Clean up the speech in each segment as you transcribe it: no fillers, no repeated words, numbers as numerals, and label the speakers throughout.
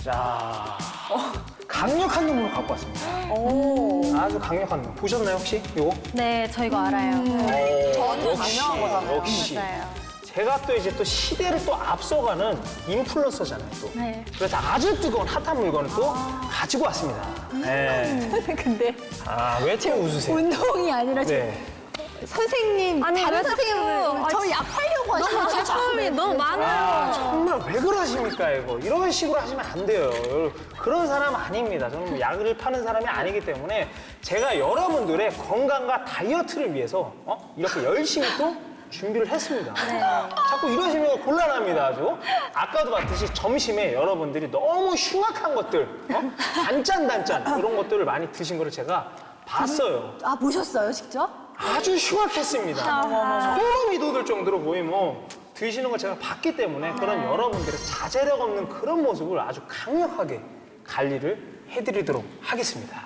Speaker 1: 자, 강력한 놈으로 갖고 왔습니다. 아주 강력한 놈. 보셨나요, 혹시? 요거?
Speaker 2: 네, 저 이거 알아요.
Speaker 3: 저한테 강력한 거잖아요.
Speaker 1: 역시.
Speaker 2: 맞아요.
Speaker 1: 제가 또 이제 또 시대를 또 앞서가는 인플루언서잖아요, 또.
Speaker 2: 네.
Speaker 1: 그래서 아주 뜨거운 핫한 물건을 또 가지고 왔습니다. 네.
Speaker 4: 근데
Speaker 1: 아, 왜 또 웃으세요?
Speaker 4: 운동이 아니라
Speaker 1: 네.
Speaker 4: 선생님,
Speaker 2: 아니,
Speaker 4: 다른
Speaker 2: 왜 자꾸-
Speaker 4: 선생님은 저 약 팔려고 하시는
Speaker 2: 너무 제품이 너무 많아요.
Speaker 1: 아, 정말 왜 그러십니까, 이거. 이런 식으로 하시면 안 돼요. 그런 사람 아닙니다. 저는 뭐 약을 파는 사람이 아니기 때문에 제가 여러분들의 건강과 다이어트를 위해서 이렇게 열심히 또 준비를 했습니다. 자꾸 이러시면 곤란합니다, 아주. 아까도 봤듯이 점심에 여러분들이 너무 흉악한 것들, 단짠 이런 것들을 많이 드신 거를 제가 봤어요.
Speaker 4: 아, 보셨어요, 직접?
Speaker 1: 아주 흉악했습니다. 소름이 돋을 정도로 거의 뭐 드시는 걸 제가 봤기 때문에 그런 여러분들의 자제력 없는 그런 모습을 아주 강력하게 관리를 해드리도록 하겠습니다.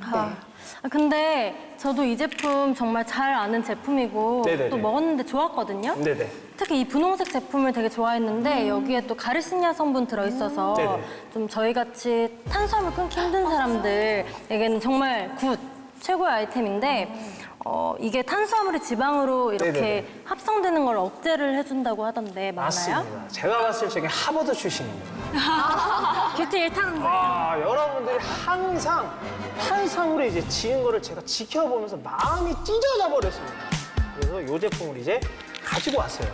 Speaker 2: 근데 저도 이 제품 정말 잘 아는 제품이고
Speaker 1: 네네네.
Speaker 2: 또 먹었는데 좋았거든요.
Speaker 1: 네네.
Speaker 2: 특히 이 분홍색 제품을 되게 좋아했는데 여기에 또 가르시니아 성분 들어있어서
Speaker 1: 네네.
Speaker 2: 좀 저희같이 탄수화물 끊기 힘든 사람들에게는 정말 굿! 최고의 아이템인데 이게 탄수화물이 지방으로 이렇게
Speaker 1: 네네네.
Speaker 2: 합성되는 걸 억제를 해준다고 하던데 맞나요?
Speaker 1: 맞습니다. 제가 봤을 적에 하버드 출신입니다.
Speaker 2: 뷰티 일타는
Speaker 1: 아, 여러분들이 항상 탄수화물에 이제 지은 거를 제가 지켜보면서 마음이 찢어져 버렸습니다. 그래서 이 제품을 이제 가지고 왔어요.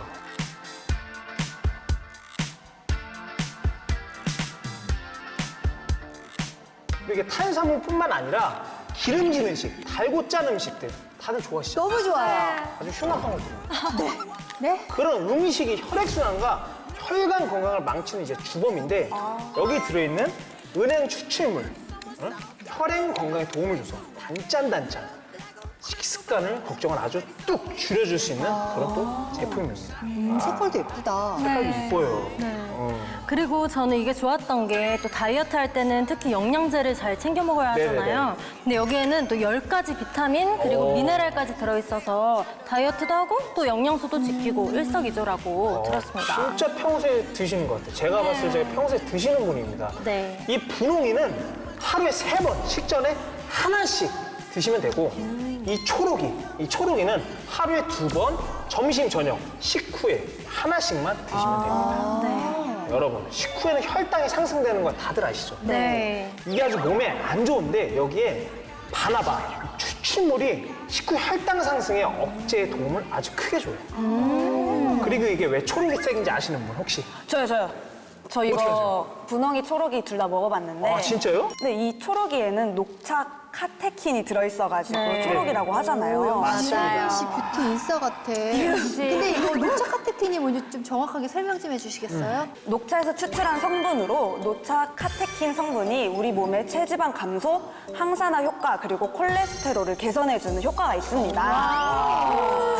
Speaker 1: 이게 탄수화물뿐만 아니라 기름진 음식, 달고 짠 음식들 다들 좋아하시죠?
Speaker 4: 너무 좋아요.
Speaker 1: 아주 흉악한 것들.
Speaker 4: 네?
Speaker 1: 그런 음식이 혈액순환과 혈관 건강을 망치는 이제 주범인데 여기 들어있는 은행 추출물, 혈행 건강에 도움을 줘서 단짠 식습관을 걱정을 아주 뚝 줄여줄 수 있는 그런 또 제품입니다.
Speaker 4: 색깔도 예쁘다.
Speaker 1: 색깔도 이뻐요.
Speaker 2: 그리고 저는 이게 좋았던 게 또 다이어트 할 때는 특히 영양제를 잘 챙겨 먹어야 하잖아요.
Speaker 1: 네네네.
Speaker 2: 근데 여기에는 또 10가지 비타민 그리고 미네랄까지 들어있어서 다이어트도 하고 또 영양소도 지키고 일석이조라고 들었습니다.
Speaker 1: 진짜 평소에 드시는 것 같아요. 제가 봤을 때 평소에 드시는 분입니다.
Speaker 2: 네.
Speaker 1: 이 분홍이는 하루에 3번 식전에 하나씩 드시면 되고 이 초록이는 하루에 2번 점심 저녁 식후에 하나씩만 드시면 됩니다.
Speaker 2: 네.
Speaker 1: 여러분 식후에는 혈당이 상승되는 거 다들 아시죠?
Speaker 2: 네.
Speaker 1: 이게 아주 몸에 안 좋은데 여기에 바나바 추출물이 식후 혈당 상승에 억제에 도움을 아주 크게 줘요. 그리고 이게 왜 초록색인지 아시는 분 혹시?
Speaker 3: 저요. 저
Speaker 1: 어떻게
Speaker 3: 이거
Speaker 1: 하세요?
Speaker 3: 분홍이, 초록이 둘 다 먹어봤는데.
Speaker 1: 아 진짜요?
Speaker 3: 근데 이 초록이에는 녹차 카테킨이 들어있어가지고
Speaker 2: 네.
Speaker 3: 초록이라고 하잖아요.
Speaker 1: 맞습니다.
Speaker 4: 역시 뷰티 인싸 같아. 근데 이거 녹차 카테킨이 뭔지 좀 정확하게 설명 좀 해주시겠어요?
Speaker 3: 녹차에서 추출한 성분으로 녹차 카테킨 성분이 우리 몸의 체지방 감소, 항산화 효과, 그리고 콜레스테롤을 개선해주는 효과가 있습니다.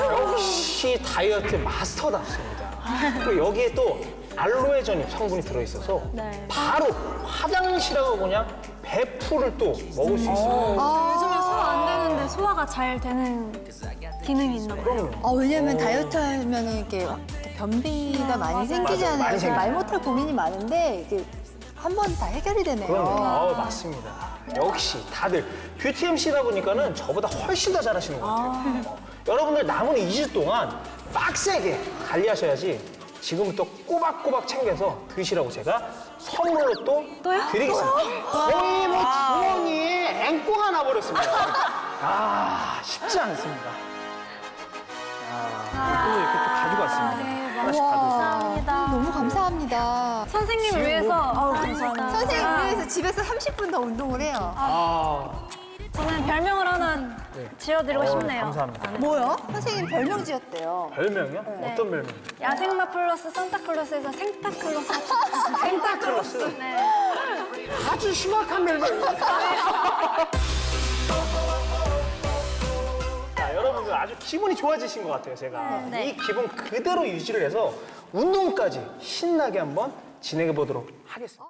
Speaker 1: 역시 다이어트 마스터답습니다. 그리고 여기에 또 알로에 전입 성분이 들어있어서
Speaker 2: 네.
Speaker 1: 바로 화장실하고 그냥 100%를 또 먹을 수 있어요.
Speaker 5: 요즘에 소화 안 되는데 소화가 잘 되는 기능이 있나 봐요.
Speaker 1: 그럼요.
Speaker 4: 왜냐면 다이어트 하면은 이렇게 변비가 많이 생기잖아요.
Speaker 1: 많이
Speaker 4: 그래서 말
Speaker 1: 생겨요.
Speaker 4: 못할 고민이 많은데 이게 한 번 다 해결이 되네요.
Speaker 1: 그럼요. 맞습니다. 역시 다들 뷰티 MC다 보니까는 저보다 훨씬 더 잘하시는 것 같아요. 여러분들 남은 2주 동안 빡세게 관리하셔야지 지금부터 꼬박꼬박 챙겨서 드시라고 제가 선물로 또 드리겠습니다. 거의 뭐 주머니에 앵꼬가 나버렸습니다. 아, 쉽지 않습니다. 또 이렇게 또 가지고 왔습니다. 하나씩 다 드세요.
Speaker 2: 감사합니다.
Speaker 4: 너무 감사합니다.
Speaker 5: 선생님을 위해서
Speaker 2: 감사합니다.
Speaker 4: 선생님 위해서 집에서 30분 더 운동을 해요.
Speaker 5: 저는 별명을 하나 지어드리고 싶네요.
Speaker 1: 감사합니다.
Speaker 4: 뭐요? 선생님 별명 지었대요.
Speaker 1: 별명이요? 어떤 별명이요?
Speaker 5: 야생마 플러스 산타클로스에서 생타클로스
Speaker 1: 생타클로스.
Speaker 5: 네.
Speaker 1: 아주 흉악한 별명입니다. 자, 여러분들 아주 기분이 좋아지신 것 같아요, 제가. 이 기분 그대로 유지를 해서 운동까지 신나게 한번 진행해 보도록 하겠습니다.